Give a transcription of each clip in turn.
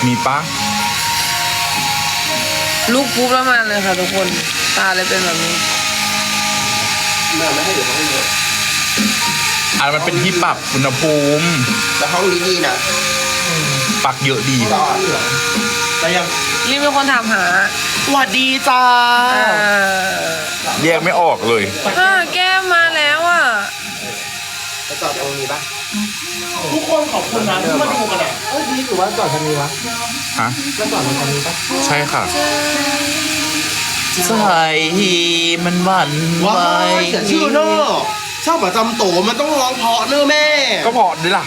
มีปะลูกปุ๊บแล้วมาเลยค่ะทุกคนตาเลยเป็นแบบนี้ไม่ให้เดี๋ยวเขาให้เยอะอันมันเป็นที่ปรับอุณหภูมิแต่ห้องนี้ดีนะปักเยอะดีแต่ยังรีบมีคนถามหาสวัสดีจ้าแยกไม่ออกเลยแก้มมาแล้วอ่ะจะจอดตรงนี้ปะทุกคนขอบคุณนะที่มาดูกันอ่ะดีหรือว่าจอดทางนี้วะฮะก็จอดทางนี้ปะใช่ค่ะใช่มันหวั่นไหวเสียชื่อเนอะชอบประจำโตมันต้องร้องเพาะเนอะแม่ก็เพาะด้วยล่ะ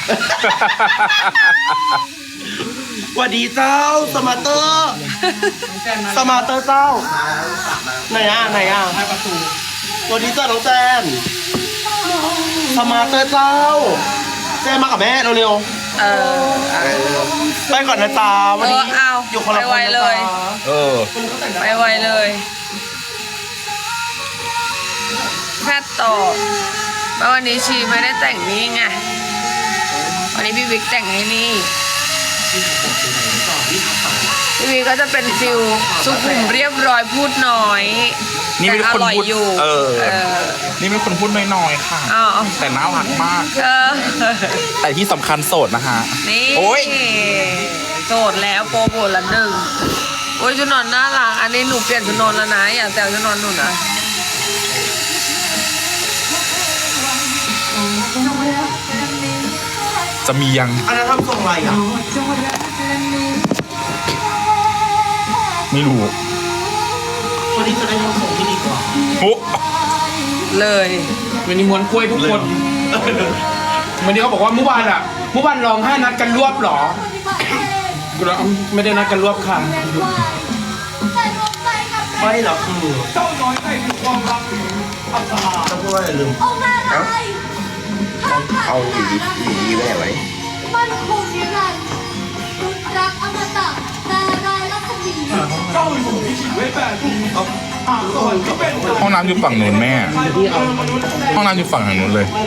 สวัสดีเจ้าสมาเตอร์สมาเตอร์เจ้าไหนอ่ะให้ประตูสวัสดีเจ้าน้องแจนสมาเตอร์เจ้าแจนมากับแม่เร็วไปก่อนนะจ๊ะวันนี้อยู่คนละคนนะจ๊ะไปไวเลยแพทย์ต่อแล้ววันนี้ชีไม่ได้แต่งนี่ไงวันนี้พี่วิกแต่งให้นี่พี่วิกก็จะเป็นฟิลสุขุมเรียบร้อยพูดน้อยนี่เป็นคนพูดอยู่นี่เป็นคนพูดน้อยๆค่ะแต่น่ารักมากแต่ที่สำคัญโสดนะฮะนี่โสดแล้วโปรโมทละหนึ่งโอ้ยชุดนอนน่ารักอันนี้หนูเปลี่ยนชุดนอนแล้วนะอย่าแซวชุดนอนหนูนะจะมียังอันนั้นทำทรงอะไรอ่ะไม่รู้วันนี้จะได้ทำทรงที่ดีกว่าโอ้เลยวันนี้ม้วนกล้วยทุกคนวันนี้เขาบอกว่าเมื่อวานร้องไห้นัดกันรวบหรอไม่ได้นัดกันรวบค่ะไม่หรอกคือเจ้าน้อยให้ความรักจะพูดว่าอะไรลืมเอาหวีแม่ไว้มันคงนิรันดร์รักอมตะแต่รายลักษณีเจ้าอยู่ที่ชีวิตแบบห้องน้ำอยู่ฝั่งนู้นแม่ห้องน้ำอยู่ฝั่งทางนู้นเลย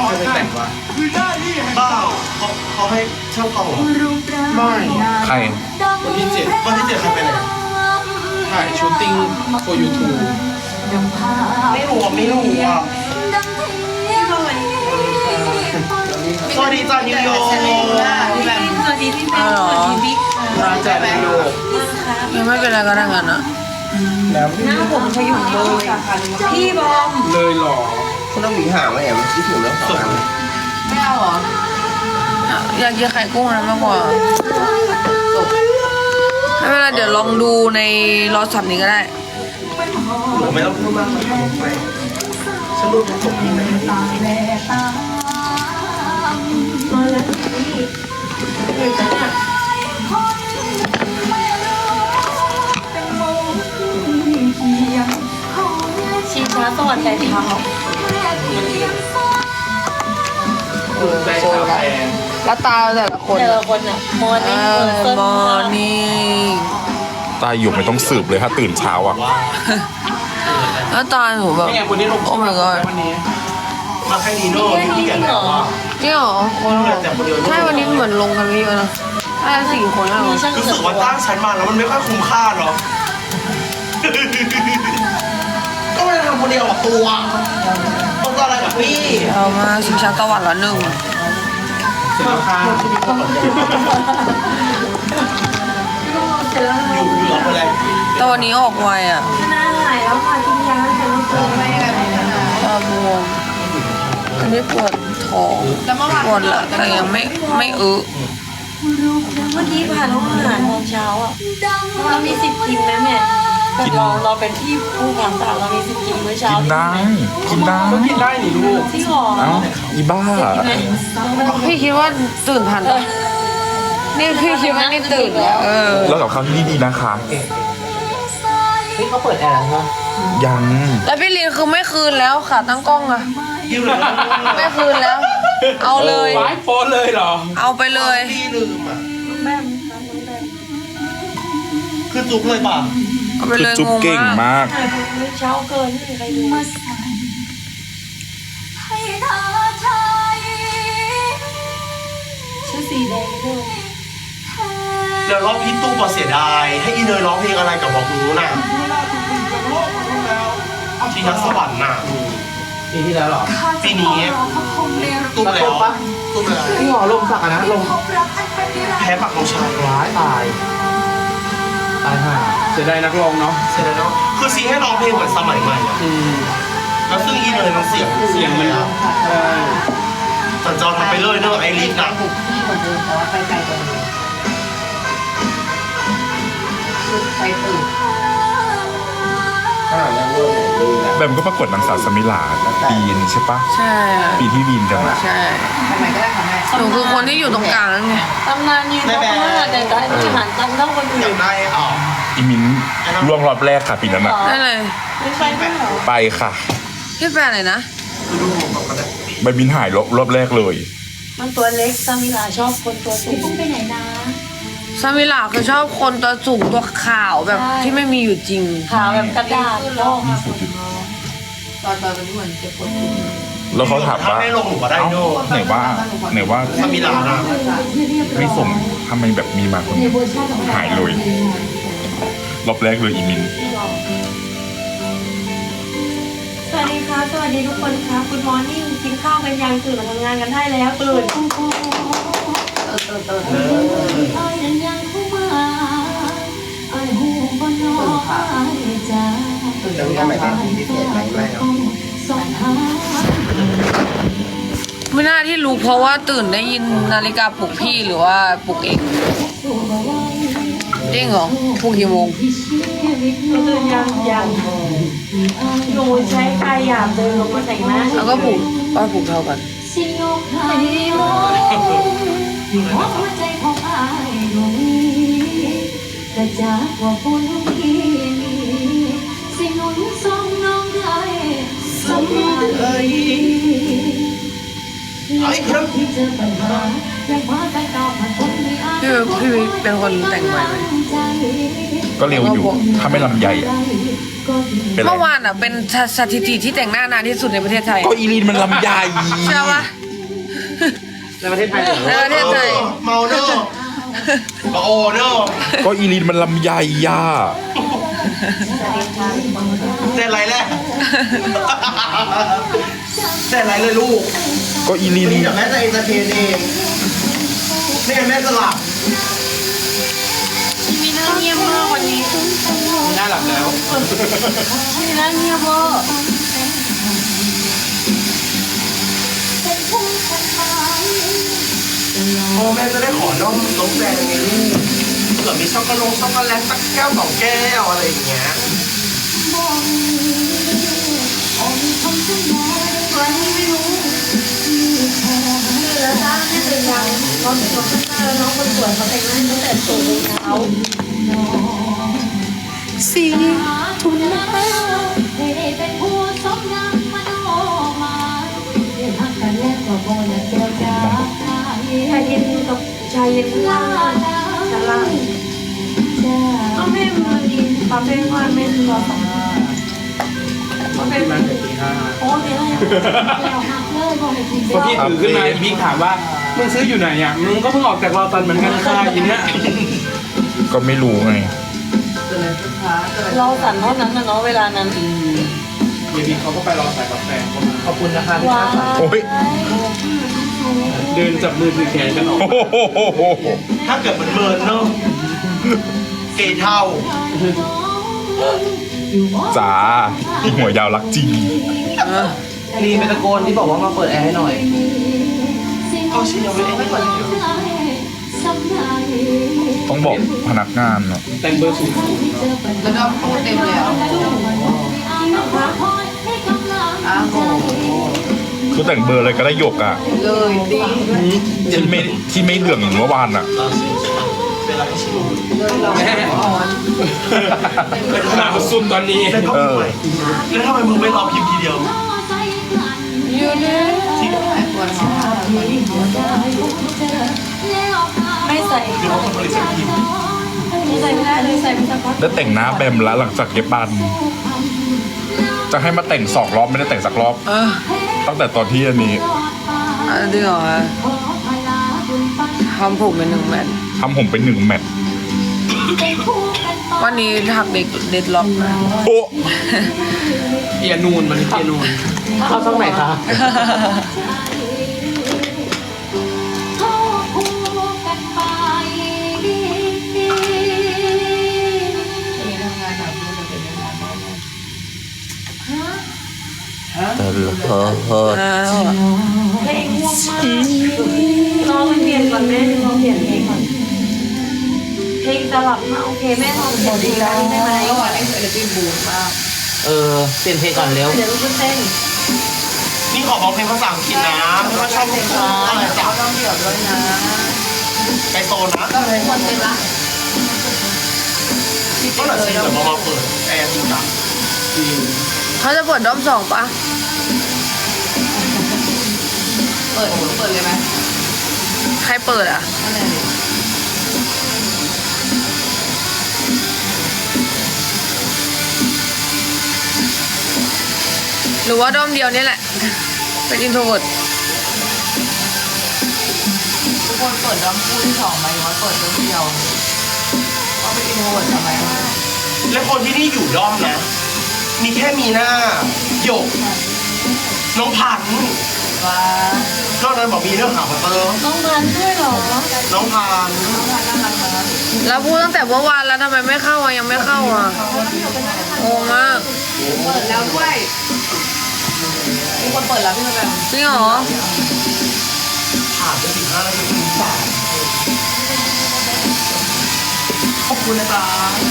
บ้าเขาให้ช่างกล้องไม่ใครวันที่7 ใครไปไหนถ่ายชูตติ้งโฟยูทูไม่รู้อ่ะสวัสดีจ้านิวยอร์กสวัสดีพี่เป็นสวัสดีบิ๊กจ้านิวยอร์กยังไม่เป็นไรก็ได้กันนะหน้าผมพยุงเลยพี่บอมเลยหรอคุณต้องหวีหางไหมแอมที่ถึงแล้ว2 อันไม่เอาเหรออยากกินไข่กุ้งนะมากกว่าไม่เป็นไรเดี๋ยวลองดูในรอสับนี้ก็ได้ไม่ต้องพูดมากไปฉันรู้ผมจบที่ไหนชีช้าสวัสดิ์แต่เช้าแล้วตาแต่ละคนอ่ะมอร์นิ่งตาอยู่ไม่ต้องสืบเลยถ้าตื่นเช้าอ่ะแล้วตาหนูแบบโอ้ my god มาให้ดีโน่ที่กันแล้วว่านี่หรอคนใช่วันนี้เหมือนลงกันไม่เยอะนะ4 คนแล้วรู้สึกว่าตั้งชั้นมาแล้วมันไม่ค่อยคุ้มค่าเนาะก็ไม่ได้ทำคนเดียวตัวต้องอะไรกับพี่เอามาชิงช้าตะวันละ1 เสร็จแล้วค่ะอยู่หลับอะไรแต่วันนี้ออกไวอ่ะหน้าหายแล้วค่ะกินยาแต่ไม่เจอไม่แบบตาบวมอันนี้ปวดท้องปวดละแต่ยังไม่เมื่อกี้ผ่านห้องอาหารตอนเช้าอ่ะเรามี10 กินไหมแม่เราเป็นที่ผู้ก่อนตาเรามี10 กินเมื่อเช้ากินได้ก็กินได้หนิลูกที่หอเอ้าอีบ้าพี่คิดว่าตื่นทันปะนี่พี่คิดว่านี่ตื่นแล้วกับเขาที่ดีนะคะนี่เขาเปิดแอร์แล้วยังแล้วพี่ลินคือไม่คืนแล้วค่ะตั้งกล้องอะไม่คืนแล้วเอาเลยไว้โพสเลยเหรอเอาไปเลยพี่ลืมอ่ะคือจุกเลยป่ะเอาไปเลยจุกเก่งมากเช้าเกินไม่มีใครดูชื่อสีแดงด้วยเดี๋ยวรอบพี่ตู้บอกเสียดายให้อีเนยร้องเพลงอะไรกับบอกรู้น่ะที่นักสวรรค์น่ะปีที่แล้วหรอปีนี้ตู้แล้วตู้แล้วพี่หมอลงสักนะลงแพ้ปักลงชายร้ายตายห่าเสียดายนักร้องเนาะเสร็จแล้วเนาะคือซีให้ร้องเพลงเหมือนสมัยใหม่อะแล้วซึ่งอีเนยมันเสียงเสียงมันอะใช่สัญจรทำไปเลยเนอะไอริสน่ะที่คนเดินแต่ว่าไปไกลกว่านี้ไปตื่นแบมก็ประกวดนางสาวสมิลาปีนใช่ปะใช่อะปีที่วีนกันอะใช่ทำไมก็ได้ค่ะแม่หนูคือคนที่อยู่ตรงกลางนั่นไงตำนานยืนเพราะว่าแต่ได้ที่หันตำเท่าคนออื่ยาน กได้อ่ะอีมินล่วงรอบแรกค่ะปีนั้นอะได้เลยไม่ไปไม่หรอไปค่ะพี่แฟนอะไรนะดูผมแบบกันเลยใบมินหายรอบแรกเลยมันตัวเล็กซามิลาชอบคนตัวสูงไปไหนนะซามิลาคือชอบคนตัวสูงตัวขาวแบบใช่ที่ไม่มีอยู่จริงขาวแบบกระดาษโลกตอนนี้เหมือนเจ็บปวดแล้วเขาถามถ้าว่าไม่ลงหนูก็ได้เอ้าโน่ไหนว่าสมิลานะไม่ส่งทำไมแบบมีมาคนหายเลยรอบแรกเลยอีมินสวัสดีค่ะสวัสดีทุกคนค่ะคุณมอร์นิ่งกินข้าวกันยังตื่นมาทำงานกันได้แล้วตื่นสไม่น่าที่รู้เพราะว่าตื่นได้ยินนาฬิกาปลุกพี่หรือว่าปลุกเองจริงเหรอปลุกกี่โมงตื่นยังหนูใช้กายหยาบเดินลงมาแต่งหน้าแล้วก็ปลุกป้าปลุกเท่ากันแต่จากว่าบุญที่มีสิ่งหนุนส่งน้องได้สำเร็จที่เจอปัญหายังพาไปก้าวผ่านพ้นไม่อาจพี่วิกเป็นคนแต่งใหม่ไหมก็เร็วอยู่ ถ้าไม่ลำใหญ่อะเป็นไรเมื่อวานอ่ะเป็นสถิติที่แต่งหน้านานที่สุดในประเทศไทยก็อีลีนมันลำใหญ่ใช่ปะในประเทศไทยเหรอในประเทศไทยเมาเนอะมาโอเนอะก็อีลีนมันลำใหญ่ย่าเต้นไรแรกเต้นไรเลยลูกก็อีลีนนี่เดี๋ยวแม่จะเอนเตอร์เทนเองไม่งั้นแม่จะหลับมีหน้าเงียบมากวันนี้น่าหลับแล้วมีหน้าเงียบมากพ่อแม่จะได้ขอน้องแดงไงลูกเผื่อมีช็อกโกแลตสักแก้วสองแก้วอะไรอย่างเงี้ยแล้วถ้าแม่ตื่นยังน้องข้างหน้าแล้วน้องคนสวยเขาแต่งหน้าตั้งแต่ตื่นเช้าสีทุนเป็นผู้สมงามมโนมาเรียนหักกันแล้วก็บ่อยากเจอกันชายเย็นกับชายเย็นล่างชั้นล่างเอาแม่มากินคาเฟ่ว่าแม่รอสองคาเฟ่มาแต่ตีห้าโอ้เนี่ยแล้วหักเลยบ่ให้กินพอพี่ตื่นขึ้นมาพี่ถามว่ามึงซื้ออยู่ไหนอ่ะมึงก็เพิ่งออกจากรอตันเหมือนกันค่ะยินนะก็ไม่รู้ไงเราสั่นเท่านั้นนะเนาะเวลานั้นเดี๋ยวพี่เขาก็ไปรอสายกาแฟเข้ามาขอบคุณนะคะว้าโอ้ยเดินจับมือถือแขนกันออกโอ้โหถ้าเกิดมันเมินเนอะเกยเท่าจ๋าอีหัวยาวรักจริงลีเป็นตะโกนที่บอกว่ามาเปิดแอร์ให้หน่อยเอาชิ้นยังไม่ได้ไม่ก่อนเดียวต้องบอกพนักงานเนาะแต่งเบอร์สูงแล้วก็โปรเต็มเลยอ่ะอ้าวโหคือแต่งเบอร์อะไรก็ได้หยกอ่ะเลยดีที่ไม่เหลืองอย่างเมื่อวานอ่ะเวลาที่ชิมแม่หนาวสุดตอนนี้แล้วก็มือใหม่แล้วทำไมมึงไม่รอพิมพ์ทีเดียวอยู่เนี่ยที่ไม่ใส่หรือว่าคนผลิตเป็นพิมพ์ไม่ใส่ไม่ได้เลยใส่ไม่ได้พักแล้วแต่งหน้าแบมแล้วหลังจากเย็บบัน จะให้มาแต่ง2 รอบไม่ได้แต่งสักรอบ ตั้งแต่ตอนที่อันนี้อันนี้เหรอทำผมเป็น1 แมททำผมเป็น1 แมตช์วันนี้หักเด็ดล็อกนะโอ้เปียนูนมันเปียนูนเข้าช่องไหนคะอ้าวเพลงง่วงมากน้องไปเปลี่ยนก่อนแม่น้องเปลี่ยนเพลงก่อนเพลงสลับมาโอเคแม่ลองเปลี่ยนเพลงได้ไหมเปลี่ยนเพลงก่อนเร็วเดี๋ยวลูกก็เต้นนี่ขอร้องเพลงภาษาอังกฤษนะไม่ว่าชอบเพลงอะไรจ้ะต้องเดี่ยวด้วยนะไปโซนนะก็เลยคนเป็นละก็หลังจากเดี๋ยวมาเปิดแอร์จริงจังเขาจะเปิดรอบ2ปะเปิดเลยไหมใครเปิดอ่ะ หรือว่าด้อมเดียวนี่แหละ เป็นอินโทรเวิร์ดทุกคนเปิดด้อมคู่ที่2ไหมหรือว่าเปิดด้อมเดียวก็เป็นอินโทรเวิร์ดทำไมและคนที่นี่อยู่ด้อมนะ มีแค่มีหน้าหยก น้องพันธุ์ว่านอกนั้นบอกมีเรื่องหาพัตเตอร์น้องพันด้วยเหรอน้องพันธุ์แล้วพูดตั้งแต่เมื่อวานแล้วทำไมไม่เข้าอ่ะยังไม่เข้าอ่ะงงมากเปิดแล้วด้วยมีคนเปิดแล้วพี่แบบจริงเหรอผ่านไป15 นาทีถึง3ขอบคุณนะจ๊ะ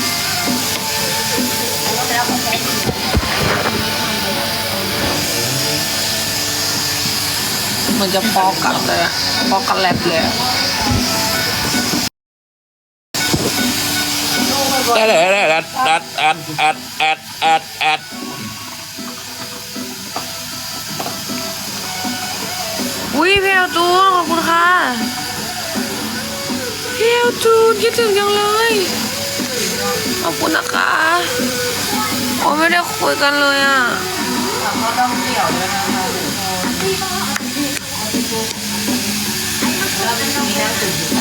เหมือนจะฟอกกันเลยอะฟอกกันแลบเลยอะ อุ้ยพี่เอลจูนขอบคุณค่ะพี่เอลจูนคิดถึงยังเลยขอบคุณนะคะโอ้ไม่ได้คุยกันเลยอ่ะเขาด้อมเดี่ยวด้วยนะคะแล้วเป็นมีนั่งตื่นใจ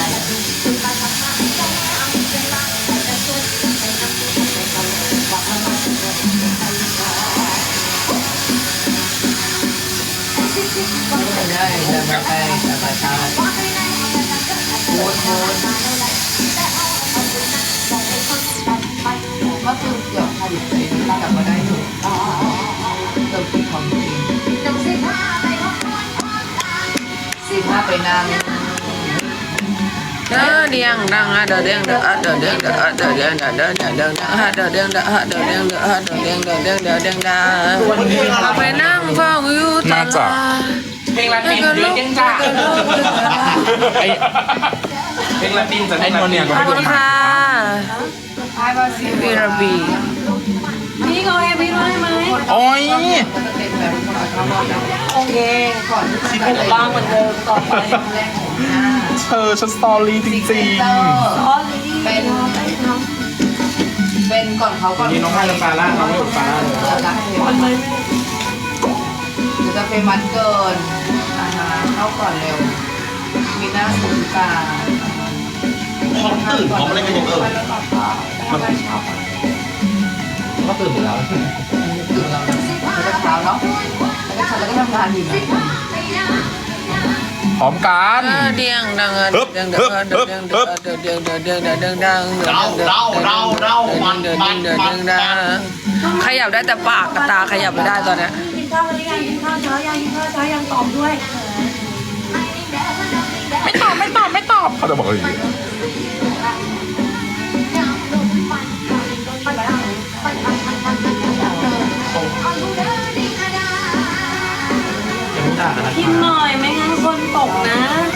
ได้จะไปทานโค้ดก็คือเกือบผลิตเองแต่ก็ได้อยู่เกือบผิดความจริง15ไปนั่งเด้อเดียงดังเด้อเดียงเด้อเด้อเดียงเด้อเด้อเดียงเด้อเด้อเด้อเด้อเดียงเด้อเด้อเดียงเด้อเด้อเดียงเด้อเด้อเดียงเด้อเอาไปนั่งเฝ้าอยู่ตลาดเพลงลาตินเดือดยังจ้าเพลงลาตินจะได้นอนเนี่ยขอบคุณค่ะบีราบีพี่เขาให้พี่ด้วยไหมโอ้ยโอเคก่อนที่บ้างเหมือนเดิมต่อไปเธอฉันสตอรี่จริงอ๋อลีเป็นก่อนเขาก่อนนี่น้องให้น้ำปลาล่าน้องไม่ปลาล่าเลยวันเลยจะเป็นวันเกินเข้าก่อนเร็ว มีหน้าสูงตาพร้อมตื่นพร้อมอะไรกันอย่างเออก็ตื่นแล้วตื่นแล้วแล้วก็เช้าเนาะแล้วก็ทำงานอยู่นะๆพร้อมกันเดียงดังเดียงเด้อเด้อเดียงเด้อเด้อเดียงเด้อเดียงเด้อเดียงดังขยับได้แต่ปากกับตาขยับไม่ได้ตอนเนี้ยกินข้าวกันหรือยังกินข้าวเช้ายังกินข้าวเช้ายังตอบด้วยไม่ตอบเขาจะบอกอะไรอย่างเงี้ยกินหน่อยไม่งั้นคนตกนะ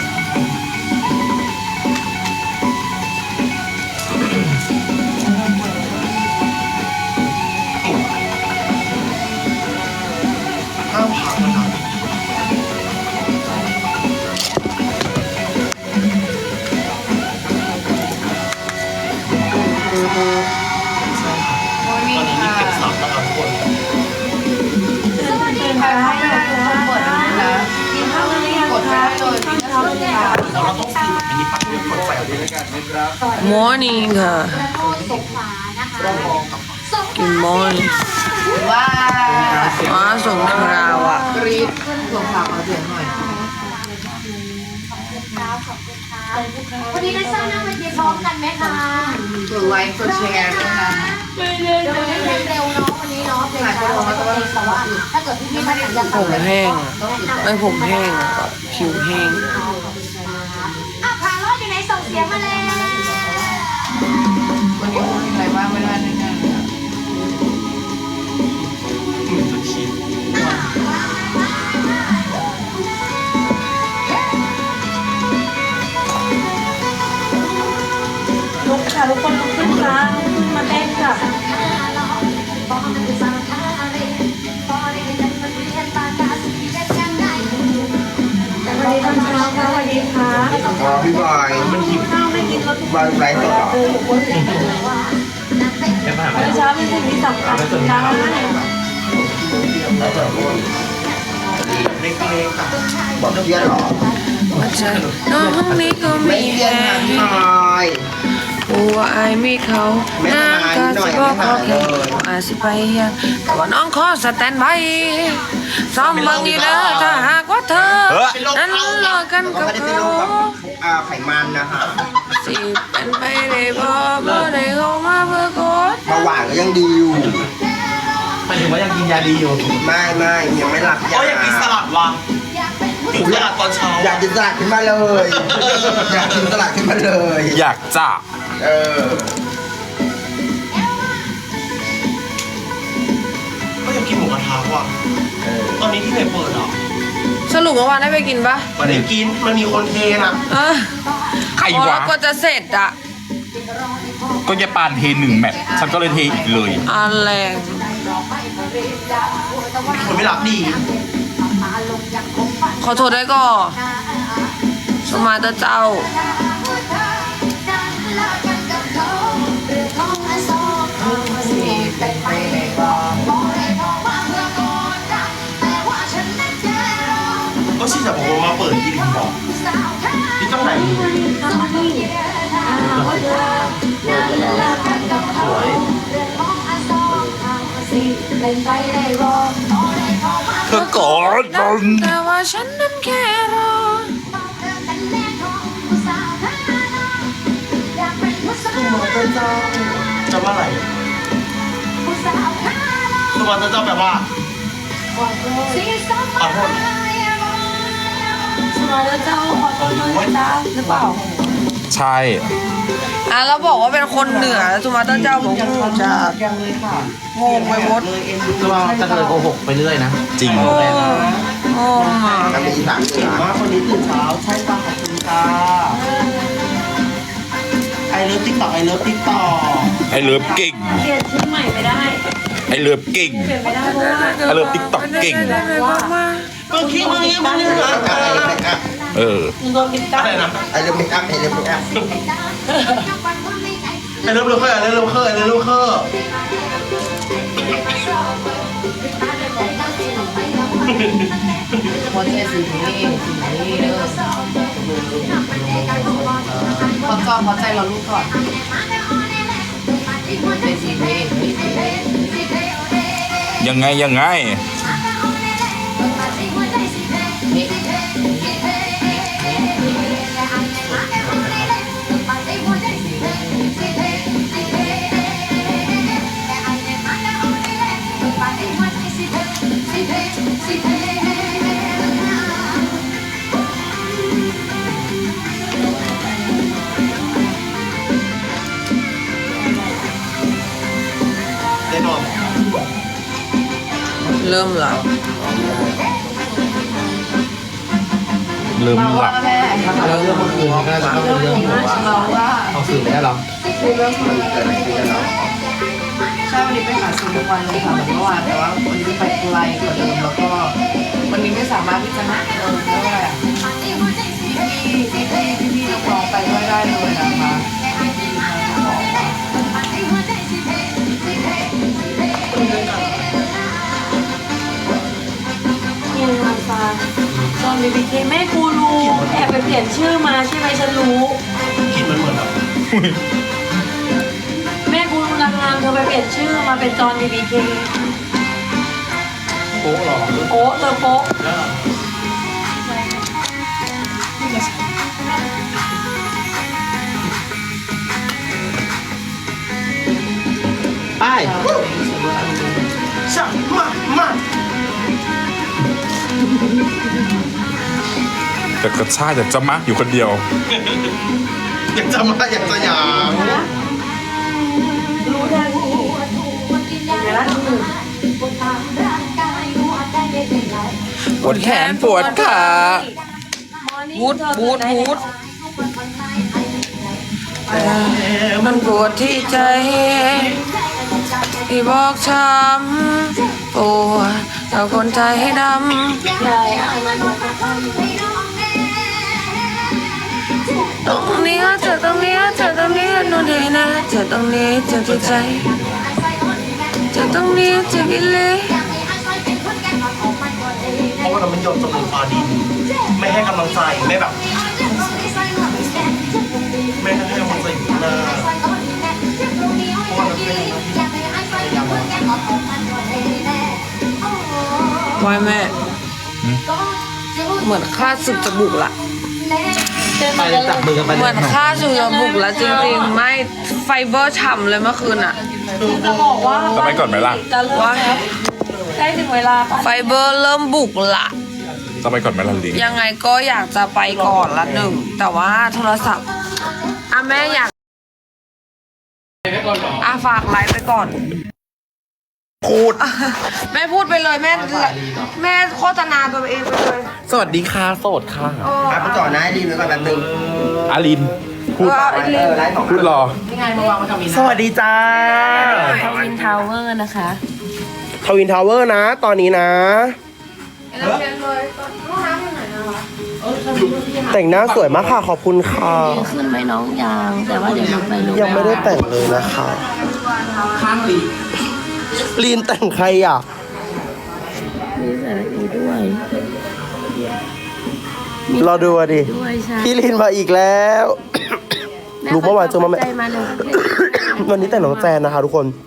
ห้ามพักนะครับโมนี่ตอนนี้มีค่ะเก็บสับนะครับทุกคนใครเข้าไปแล้วทุกคนเปิดนะกินข้าวกันหรือยังกดไม่คะได้เลยกินข้าวเช้าเลยค่ะแล้วเราต้องซื้อแบบมินิปักเพื่อกดไฟเอาด้วย Morning ค่ะตกขวานะคะกินมอนว้าอ๋อสงคราวอ่ะกรี๊ดลงข่าวเอาเสียงหน่อยวันนี้ได้สร้างน้ำมันเย็นพร้อมกันไหมคะกดไลค์กดแชร์ด้วยนะเดี๋ยวเล่นเร็วเนาะวันนี้เนาะเพลงช้าเราจะเล่นแต่ว่าถ้าเกิดพี่ๆท่านไหนอยากผมแห้งไม่ผมแห้งอะแบบผิวแห้งอ่ะพารอดอยู่ไหนส่งเสียงมาเลยวันนี้มีใครบ้างไม่ได้แน่ๆเลยอะจะคิดลุกค่ะทุกคนลุกขึ้นค่ะมาเต้นค่ะสวัสดีตอนเช้าค่ะสวัสดีค่ะอ๋อพี่บอยมันหิวข้าวไม่กินก็ทุกบอยไลฟ์สดเหรอมื้อเช้าเป็นสิ่งที่สำคัญจ้าเล็กๆอะบอกเพี้ยนเหรอว่าใจน้องนี้ก็ไม่มีเพี้ยนแห้นะงพี่บอยว่าไอ้มีเขาน้ำก็สิบอกเขาแค่อาสิไปเฮียงแต่ว่าน้องขอสแตนบายซ้อมเบิ่งนี่เด้อถ้าหากว่าเธอนั้นเลิกกันก็กับไม่ได้เป็นเขาโรคแบบไขมันนะคะสิเป็นไปได้บ่ได้เข้ามาเพื่อกดเบาหวานก็ยังดีอยู่หมายถึงว่ายังกินยาดีอยู่ไม่ยังไม่หลับยาอยากกินสลัดวะกินสลัดตอนเช้าอยากกินสลัดขึ้นมาเลย อยากกินสลัดขึ้นมาเลยอยากจะเออก็อยากกินหมูกระทะว่ะตอนนี้ที่ไหนเปิดอ่ะสรุปเมื่อวานได้ไปกินปะมันได้กินมันมีคนเทนะเออใครพอวะแล้วก็จะเสร็จอะก็ยายปานเทหนึ่งแมตช์ฉันก็เลยเทอีกเลยอันแรงมีคนไม่รักดีขอโทษได้ก็สมาเตอร์เจ้าก็ชิจะบอกว่ามาเปิดที่ดินบอกที่จังไหนเธอก่อนนนแต่ว่าฉันนั้นแค่รอจะว่าอะไรสมานเจ้าแปลว่าขอโทษสมาแล้วเจ้าขอโทษด้วยจ้าหรือเปล่าใช่อ่ะแล้วบอกว่าเป็นคนเหนือสมาเตอร์เจ้าบอกว่าจะยังเลยค่ะงงไปหมดเลยเอ็นดูก็จะเคยโกหกไปเรื่อยนะจริงโอ้โอ้มาน้ำเป็นอีสานเหนือมาคนนี้ตื่นเช้าใช่ป่ะขอบคุณค่ะไอเลิฟติ๊กต็อกไอเลิฟติ๊กต็อกไอเลิฟเก่งเปลี่ยนชื่อใหม่ไม่ได้ไอเลิฟเก่งเปลี่ยนไม่ได้เพราะว่าไอเลิฟติ๊กต็อกเก่งเมื่อกี้มึงยังไม่ได้หาเออโดนติดตั้งอะไรนะไอเลิฟเมคอัพไอเลิฟเมคอัพไอเลิฟเคอร์ไอเลิฟเคอร์ไอเลิฟเคอร์หัวใจสีนี้เด้อพอใจเราลูกก่อนเป็นสีนี้ยังไงยังไงแน่นอนเริ่มหลับเริ่มหลับแม่แล้วเรื่องเมื่อคืนก็น่าจะต้องเป็นเรื่องที่แบบว่าเราว่าเอาสื่อไม่ได้หรอคือเรื่องของเกิดอะไรขึ้นกันเนาะใช่วันนี้ไปหาซื้อทุกวันเลยค่ะเหมือนเมื่อวานแต่ว่าวันนี้ไปไกลกว่าเดิมแล้วก็วันนี้ไม่สามารถที่จะนัดเรียกว่าอะไรอ่ะพี่นักร้องไปด้วยได้เลยนะคะบอกว่าเยังมาฟังตอนบีบีเคแม่กูรู้แอบไปเปลี่ยนชื่อมาใช่ไหมฉันรู้กลิ่นมันเหมือนแบบแม่กูรู้นางงามเธอไปเปลี่ยนชื่อมาเป็นจอห์น BBK โป๊ะหรอโอ้เธอโป๊ะไปช่างมาแต่กระชากอยากจะมักอยู่คนเดียวอยากจะมาอยากจะอยากรู้ทันทีเดี๋ยวนะหนึ่งปวดแขนปวดขาวูดวูดวูดมันปวดที่ใจที่บอกช้ำปวดแต่คนใจดำใช่ตรงนี้เจอตรงนี้เจอตรงนี้นู่นนี่นะเจอตรงนี้เจอที่ใจเจอตรงนี้เจอกิเลสเพราะว่าเรามันยอมจำนวนฟ้าดิน ไม่ให้กำลังใจไม่แบบไม่ให้กำลังใจอยู่หน้าเพราะว่าเราเป็นพยายามวายแม่ เหมือนค่าศึกจะบุกละไปจับมือกันไปเหมือนค่าศึกจะบุกละจริงๆ ไม่ไฟเบอร์ฉ่ำเลยเมื่อคืนอะจะบอกว่าจะไปก่อนไหมล่ะจะเลิกแล้วใกล้ถึงเวลาป่ะไฟเบอร์เริ่มบุกละจะไปก่อนไหมล่ะลิงยังไงก็อยากจะไปก่อนละหนึ่ง แต่ว่าโทรศัพท์อ่ะแม่อยากอ่ะฝากไลฟ์ไปก่อนพูดแม่พูดไปเลยแม่โฆษณาตัวเองไปเลยสวัสดีค่ะโสดค่ะไปก่อนนะรีบไว้ก่อนแป๊บนึงอาริน พูดไลฟ์ของพูดรอนี่ไงมาวางไว้กับมีสวัสดีจ้าทวินทาวเวอร์นะคะทวินทาวเวอร์นะ ตอนนี้นะ แต่งหน้าสวยมากค่ะ ขอบคุณค่ะขึ้นไหมน้องยังแต่ว่าเดี๋ยวเราไปรู้ยังไม่ได้แต่งเลยนะคะข้างลีลีนแต่งใครอ่ะมีสาระอีด้วยรอดูอ่ะดิด้วยใช่พี่ลีนมาอีกแล้ว รู้เมื่อวานเจอมาไหมใจมาเลยวันนี้แต่งน้องแจนนะคะทุกคน